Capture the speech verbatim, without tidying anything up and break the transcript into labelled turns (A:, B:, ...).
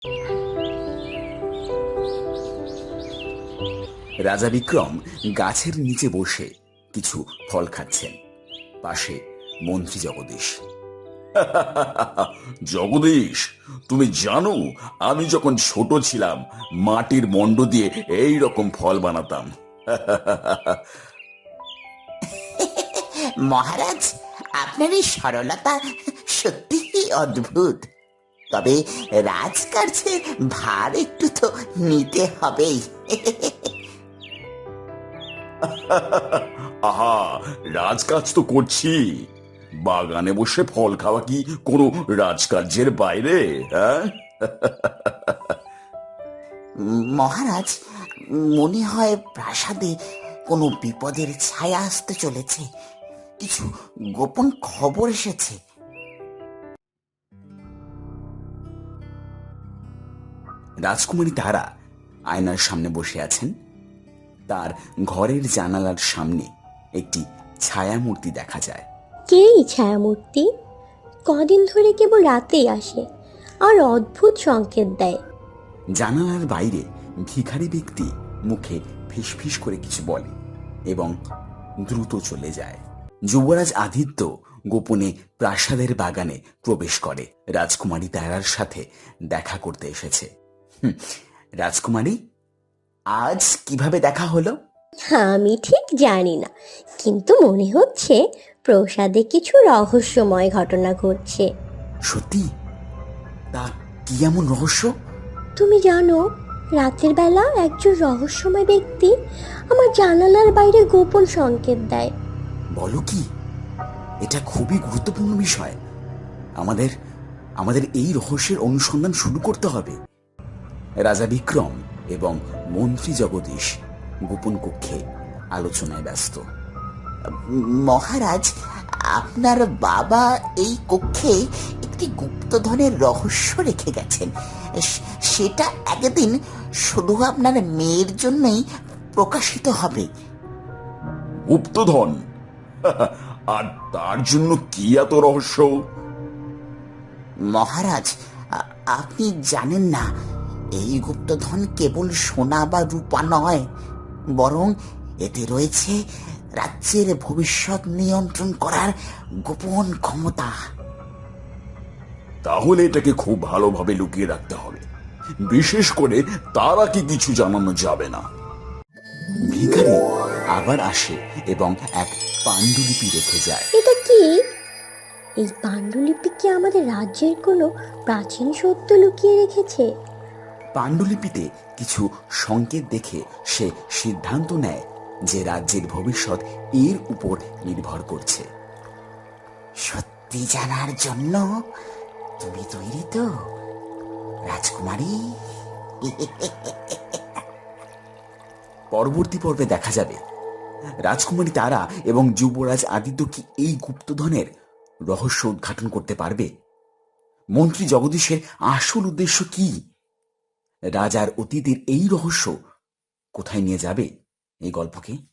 A: রাজা বিক্রম গাছের নিচে বসে কিছু ফল খাচ্ছেন। পাশে মন্ত্রী জগদীশ।
B: জগদীশ, তুমি জানো আমি যখন ছোট ছিলাম মাটির মন্ড দিয়ে এই রকম ফল বানাতাম।
C: মহারাজ, আপনার এই সরলতা সত্যি অদ্ভুত। তবে রাজকার্যের ভার একটু তো নিতে হবেই।
B: আহা, রাজকাজ তো করছি। বাগানে বসে ফল খাওয়া কি কোনো রাজকার্যের বাইরে? হ্যাঁ,
C: মহারাজ, মনে হয় প্রাসাদে কোনো বিপদের ছায়া আসতে চলেছে। কিছু গোপন খবর এসেছে।
A: রাজকুমারী তারা আয়নার সামনে বসে আছেন। তার ঘরের জানালার সামনে একটি ছায়ামূর্তি দেখা যায়।
D: কে এই ছায়ামূর্তি? কদিন ধরে কেবল রাতেই আসে আর অদ্ভুত সংকেত দেয়।
A: জানালার বাইরে ভিখারি ব্যক্তি মুখে ফিসফিস করে কিছু বলে এবং দ্রুত চলে যায়। যুবরাজ আদিত্য গোপনে প্রাসাদের বাগানে প্রবেশ করে। রাজকুমারী তারার সাথে দেখা করতে এসেছে। হুম, রাজকুমারী, আজ কিভাবে দেখা হলো?
D: আমি ঠিক জানি না, কিন্তু মনে হচ্ছে প্রসাদে কিছু রহস্যময় ঘটনা ঘটছে।
A: সত্যি? তা কি এমন রহস্য?
D: তুমি জানো, রাতের বেলা একজন রহস্যময় ব্যক্তি আমার জানালার বাইরে গোপন সংকেত দেয়।
A: বলো কি? এটা খুবই গুরুত্বপূর্ণ বিষয়। আমাদের আমাদের এই রহস্যের অনুসন্ধান শুরু করতে হবে। রাজা বিক্রম এবং মন্ত্রী জগদীশ গোপন কক্ষে আলোচনায় ব্যস্ত।
C: মহারাজ, আপনার বাবা এই কক্ষে একটি গুপ্তধনের রহস্য রেখে গেছেন। সে- সেটা একদিন শুধু আপনার মেয়ের জন্যই প্রকাশিত হবে।
B: গুপ্তধন? আর তার জন্য কি এত রহস্য?
C: মহারাজ, আ- আপনি জানেন না, এই গুপ্তধন কেবল সোনা বা রূপা নয়, বরং এতে রয়েছে রাজ্যের ভবিষ্যৎ নিয়ন্ত্রণ করার গোপন ক্ষমতা।
B: তাহলে এটাকে খুব ভালোভাবে লুকিয়ে রাখতে হবে। বিশেষ করে তারাকে কিছু জানানো যাবে না।
A: ভিখারি আবার আসে এবং এক পাণ্ডুলিপি রেখে যায়।
D: এটা কি? এই পাণ্ডুলিপি কি আমাদের রাজ্যের কোনো প্রাচীন সত্য লুকিয়ে রেখেছে?
A: পাণ্ডুলিপিতে কিছু সংকেত দেখে সে সিদ্ধান্ত নেয় যে রাজ্যের ভবিষ্যৎ এর উপর নির্ভর করছে।
C: সত্যি জানার জন্য তুমি তৈরি তো, রাজকুমারী?
A: পরবর্তী পর্বে দেখা যাবে রাজকুমারী তারা এবং যুবরাজ আদিত্য কি এই গুপ্তধনের রহস্য উদ্ঘাটন করতে পারবে? মন্ত্রী জগদীশের আসল উদ্দেশ্য কি? রাজার অতীতের এই রহস্য কোথায় নিয়ে যাবে এই গল্পকে?